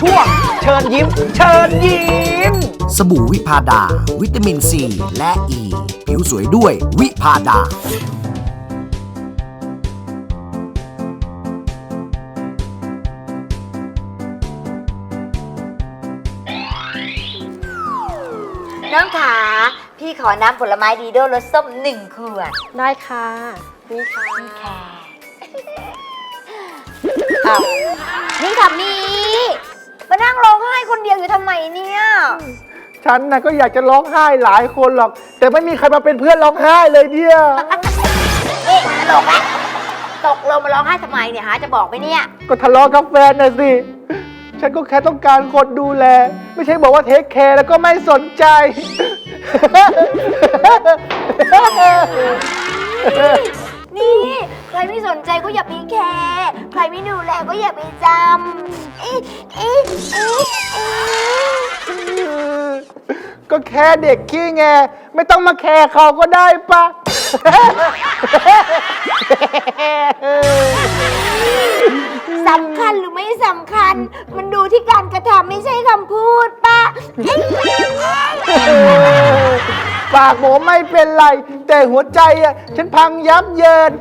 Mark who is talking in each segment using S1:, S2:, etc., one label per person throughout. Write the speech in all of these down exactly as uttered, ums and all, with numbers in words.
S1: ช่วงเชิญยิ้มเชิญยิ้ม
S2: สบู่วิพาดาวิตามินซีและอ e. ีผิวสวยด้วยวิพาดา
S3: น้องขาพี่ขอน้ำผลไม้ดีโดรสส้มหนึ่งขวด
S4: ได้ค่ะนี่ค่ะ
S3: นี่ค่ะอ้าวนี่ค่ะมีมานั่งร้องไห้คนเดียวอยู่ทำไมเนี่ย
S1: ฉันนะก็อยากจะร้องไห้หลายคนหรอกแต่ไม่มีใครมาเป็นเพื่อนร้องไห้เลยเนี่ย
S3: เอ๊ะตลกละตกลงมาร้องไห้ทำไมเนี่ยฮะจะบอกไหมเนี่ย
S1: ก็ทะเลาะกับแฟนน่ะสิฉันก็แค่ต้องการคนดูแลไม่ใช่บอกว่าเทคแคร์แล้วก็ไม่สนใจ
S3: นี่ใครไม่สนใจก็อย่าไปแคร์ใครไม่ดูแลก็อย่าไปจำอีอีอี
S1: ก็แค่เด็กขี้แงไม่ต้องมาแคร์เขาก็ได้ปะ
S3: สำคัญหรือไม่สำคัญมันดูที่การกระทำไม่ใช่คำพูดปะ
S1: ปากผมไม่เป็นไรแต่หัวใจอ่ะฉันพังยับเยิน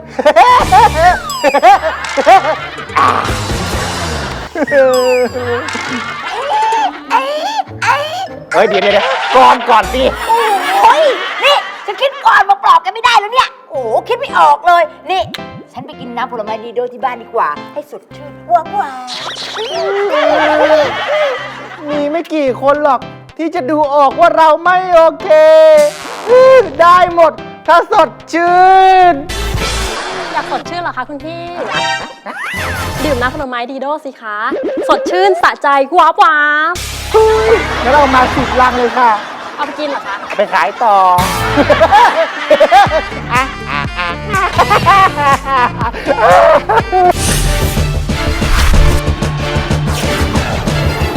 S1: เฮ้ยเดี๋ยวเดี๋ยวก่อนก่อนสิ
S3: โอ้ยนี่ฉันคิดก่อนมาปลอบกันไม่ได้แล้วเนี่ยโอ้คิดไม่ออกเลยนี่ฉันไปกินน้ำผลไม้ดีโดที่บ้านดีกว่าให้สดชื่นว้าวว้า
S1: มีไม่กี่คนหรอกที่จะดูออกว่าเราไม่โอเคได้หมดถ้าสดชื่น
S4: อยากสดชื่นเหรอคะคุณพี่ ดื่มน้ำผลไม้ดีโดสิคะสดชื่นสะใจว้าวว้าว
S1: งั้นเรามาสิบลังเลยค่ะ
S4: เอาไปกินเหรอคะ
S1: ไปขายต่อ